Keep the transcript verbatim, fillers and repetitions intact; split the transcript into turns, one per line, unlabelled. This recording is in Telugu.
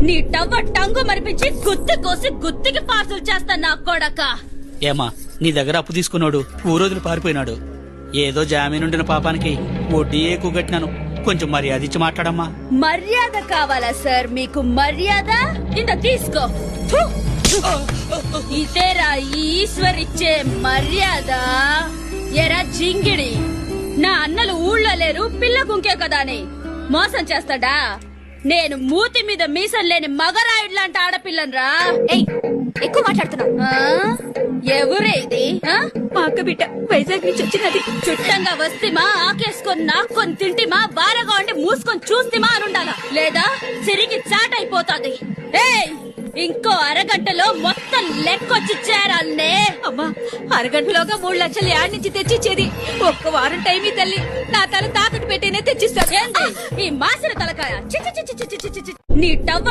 నీ టవ్వ టంగు మరిపించి గుత్తి కోసి గుత్తికి పార్సల్ చేస్తా నా కొడక.
ఏమా నీ దగ్గర అప్పు తీసుకున్నాడు ఊరోజులు పారిపోయినాడు. ఏదో జామీనుండిన పాపానికి వడ్డీ ఎక్కువ కట్టినాను. కొంచెం మర్యాద ఇచ్చి మాట్లాడమ్మా.
మర్యాద కావాలా సార్ మీకు? మర్యాద ఇంత తీసుకో. ఫు! ఇదేరా ఈశ్వర్ ఇచ్చే మర్యాద. ఎరా జింగిడి, నా అన్నలు ఊళ్ళో లేరు, పిల్ల గుంకే కదా అని మోసం చేస్తాడా? నేను మూతి మీద మీసం లేని మగరాయుడు లాంటి ఆడపిల్లనరా.
ఎక్కువ మాట్లాడుతున్నావు.
ఎవరే ఇది?
మా అక్క బిడ్డ వైజాగ్ నుంచి వచ్చినది.
చుట్టంగా వస్తేమా ఆకేసుకొని నాక్కొని తింటిమా బారగా ఉండి మూసుకొని చూస్తేమా అనుండాలా, లేదా సిరికి చాట్ అయిపోతాది. ఏయ్, ఇంకో అరగంటలో మొత్తం లెక్కొచ్చి చేరాలనే.
అమ్మా, అరగంటలోగా మూడు లక్షలు యాడ్ నుంచి తెచ్చిచ్చేది. ఒక్క వారం టైం ఈ తల్లి, నా తల తాకట్టు పెట్టేనే తెచ్చిస్తా.
ఏంది ఈ మాసిన తలకాయ? చి చి చి చి చి చి చి. నీ టవ్వ